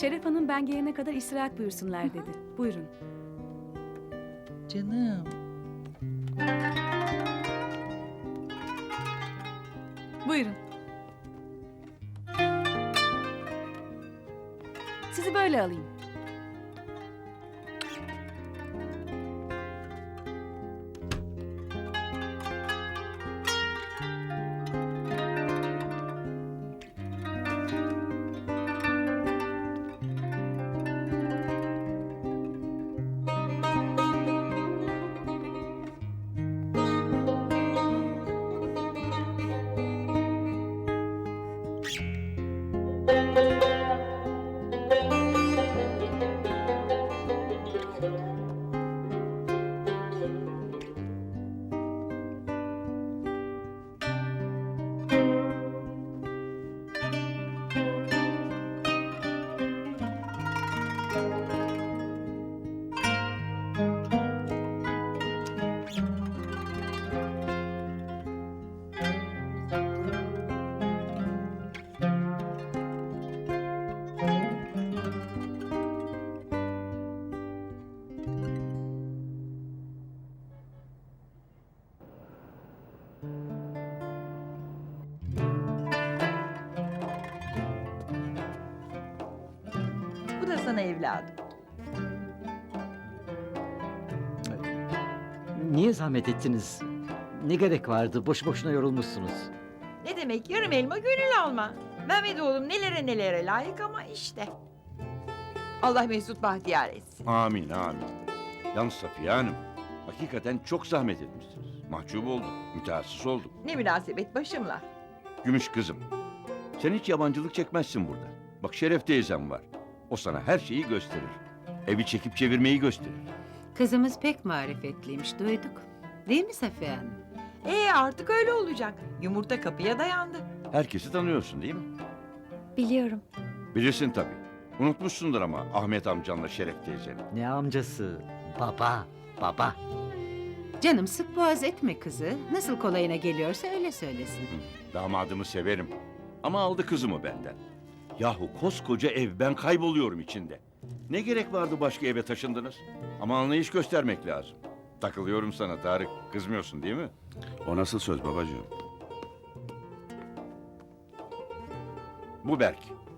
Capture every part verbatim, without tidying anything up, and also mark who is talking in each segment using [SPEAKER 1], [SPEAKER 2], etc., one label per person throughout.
[SPEAKER 1] Şeref Hanım ben gelene kadar istirahat buyursunlar dedi. Buyurun.
[SPEAKER 2] Canım.
[SPEAKER 1] Buyurun. Sizi böyle alayım.
[SPEAKER 2] Bu da sana evladım.
[SPEAKER 3] Niye zahmet ettiniz? Ne gerek vardı? Boş boşuna yorulmuşsunuz.
[SPEAKER 2] Ne demek yarım elma gönül alma. Mehmet oğlum nelere nelere layık ama işte. Allah Mesut bahtiyar etsin.
[SPEAKER 4] Amin amin. Yalnız Safiye Hanım, hakikaten çok zahmet etmişsiniz. Mahcup oldum, mütehassıs oldum.
[SPEAKER 2] Ne münasebet başımla.
[SPEAKER 4] Gümüş kızım, sen hiç yabancılık çekmezsin burada. Bak Şeref teyzem var. O sana her şeyi gösterir. Evi çekip çevirmeyi gösterir.
[SPEAKER 5] Kızımız pek marifetliymiş, duyduk. Değil mi Safiye Hanım?
[SPEAKER 2] Ee artık öyle olacak. Yumurta kapıya dayandı.
[SPEAKER 4] Herkesi tanıyorsun değil mi?
[SPEAKER 6] Biliyorum.
[SPEAKER 4] Bilirsin tabii. Unutmuşsundur ama Ahmet amcanla Şeref teyzeni.
[SPEAKER 3] Ne amcası? Baba, baba.
[SPEAKER 5] Canım sık boğaz etme kızı. Nasıl kolayına geliyorsa öyle söylesin.
[SPEAKER 4] Hı, damadımı severim. Ama aldı kızımı benden. Yahu koskoca ev, ben kayboluyorum içinde. Ne gerek vardı başka eve taşındınız? Ama anlayış göstermek lazım. Takılıyorum sana Tarık. Kızmıyorsun değil mi?
[SPEAKER 7] O nasıl söz babacığım?
[SPEAKER 4] Bu Berk.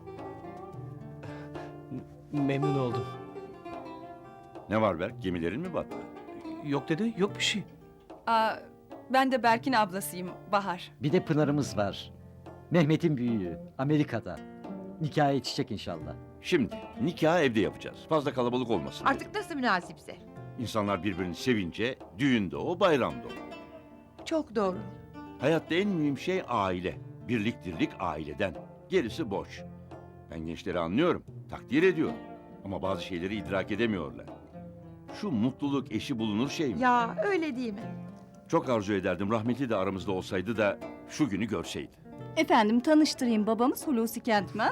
[SPEAKER 8] Memnun oldum.
[SPEAKER 4] Ne var Berk? Gemilerin mi battı?
[SPEAKER 8] Yok dede, yok bir şey.
[SPEAKER 6] Aa, ben de Berk'in ablasıyım, Bahar.
[SPEAKER 3] Bir de Pınar'ımız var. Mehmet'in büyüğü. Amerika'da. Nikah yetişecek inşallah.
[SPEAKER 4] Şimdi nikahı evde yapacağız. Fazla kalabalık olmasın.
[SPEAKER 2] Artık nasıl münasipse.
[SPEAKER 4] İnsanlar birbirini sevince düğünde o, bayramda o.
[SPEAKER 2] Çok doğru.
[SPEAKER 4] Hayatta en mühim şey aile. Birlik dirlik aileden. Gerisi boş. Ben gençleri anlıyorum, takdir ediyorum. Ama bazı şeyleri idrak edemiyorlar. Şu mutluluk eşi bulunur şey mi?
[SPEAKER 2] Ya öyle değil mi?
[SPEAKER 4] Çok arzu ederdim rahmetli de aramızda olsaydı da şu günü görseydi.
[SPEAKER 6] Efendim tanıştırayım, babamız Hulusi Kentmen.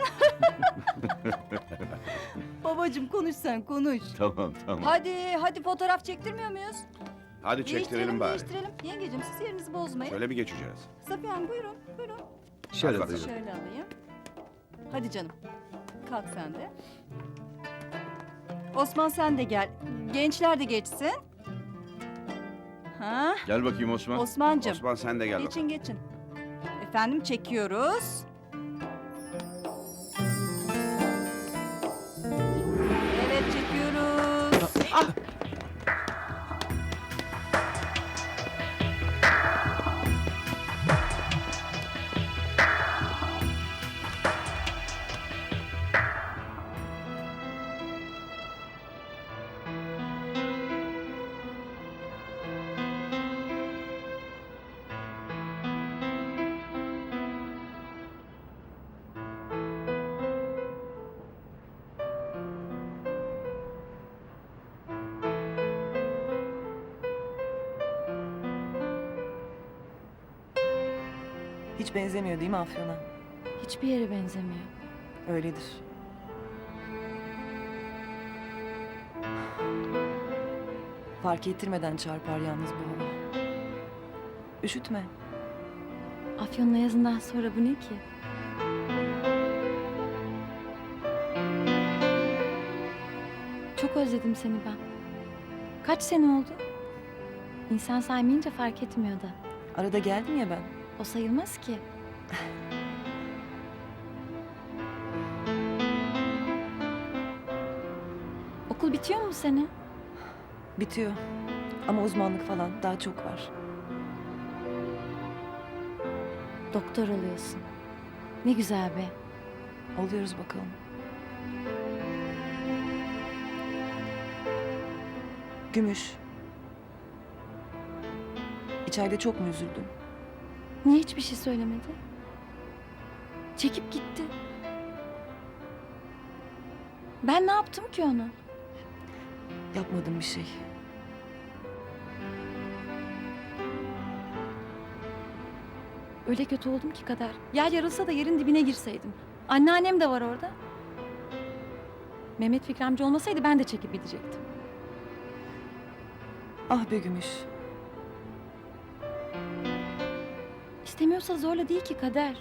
[SPEAKER 6] Babacığım konuş sen, konuş.
[SPEAKER 4] Tamam tamam.
[SPEAKER 6] Hadi, hadi fotoğraf çektirmiyor muyuz?
[SPEAKER 7] Hadi çektirelim bari.
[SPEAKER 6] Değiştirelim. Yengeciğim siz yerinizi bozmayın.
[SPEAKER 7] Şöyle mi geçeceğiz?
[SPEAKER 6] Safiye Hanım buyurun, buyurun.
[SPEAKER 3] Şöyle
[SPEAKER 7] Hadi
[SPEAKER 3] buyurun.
[SPEAKER 6] Şöyle alayım. Hadi canım. Kalk sen de. Osman sen de gel. Gençler de geçsin. Ha?
[SPEAKER 4] Gel bakayım Osman.
[SPEAKER 6] Osman'cığım.
[SPEAKER 7] Osman sen de gel bakalım.
[SPEAKER 6] Geçin geçin. Efendim çekiyoruz. Evet çekiyoruz.
[SPEAKER 9] Hiç benzemiyor değil mi Afyon'a?
[SPEAKER 6] Hiçbir yere benzemiyor.
[SPEAKER 9] Öyledir. Fark ettirmeden çarpar yalnız bu hava. Üşütme.
[SPEAKER 6] Afyon'la yazından sonra bu ne ki?
[SPEAKER 10] Çok özledim seni ben. Kaç sene oldu? İnsan saymayınca fark etmiyor da.
[SPEAKER 9] Arada geldim ya ben.
[SPEAKER 10] O sayılmaz ki. Okul bitiyor mu bu sene?
[SPEAKER 9] Bitiyor. Ama uzmanlık falan daha çok var.
[SPEAKER 10] Doktor oluyorsun. Ne güzel be.
[SPEAKER 9] Oluyoruz bakalım. Gümüş. İçeride çok mu üzüldün?
[SPEAKER 10] Niye hiçbir şey söylemedi? Çekip gitti. Ben ne yaptım ki ona?
[SPEAKER 9] Yapmadım bir şey.
[SPEAKER 10] Öyle kötü oldum ki Kader. Yer yarılsa da yerin dibine girseydim. Anneannem de var orada. Mehmet Fikri amca olmasaydı ben de çekip gidecektim.
[SPEAKER 9] Ah be Gümüş.
[SPEAKER 10] İstemiyorsa zorla değil ki Kader.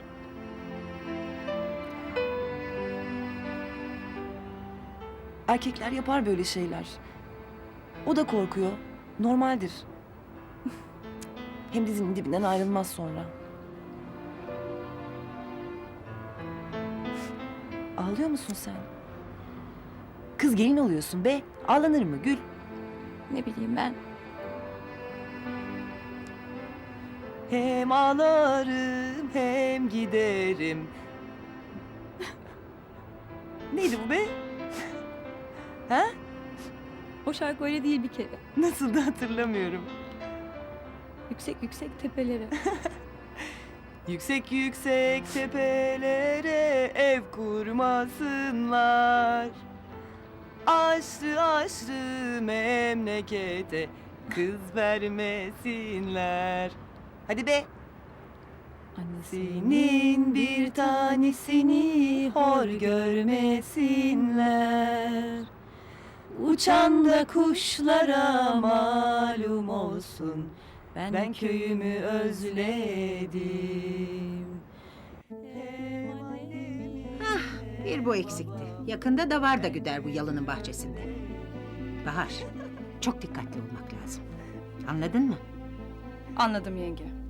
[SPEAKER 9] Erkekler yapar böyle şeyler. O da korkuyor. Normaldir. Hem dizinin dibinden ayrılmaz sonra. Ağlıyor musun sen? Kız gelin oluyorsun be. Ağlanır mı Gül?
[SPEAKER 10] Ne bileyim ben.
[SPEAKER 9] Hem ağlarım hem giderim. Neydi bu be? Ha?
[SPEAKER 10] O şarkı öyle değil bir kere.
[SPEAKER 9] Nasıl da hatırlamıyorum.
[SPEAKER 10] Yüksek yüksek tepelere.
[SPEAKER 9] Yüksek yüksek tepelere ev kurmasınlar. Aşrı aşrı memlekete kız vermesinler. Hadi be. Senin bir tanesini hor görmesinler. Uçan da kuşlara malum olsun. Ben, ben köyümü özledim.
[SPEAKER 5] Bir bu eksikti. Yakında da var da güder bu yalının bahçesinde. Bahar, çok dikkatli olmak lazım. Anladın mı?
[SPEAKER 6] Anladım yenge.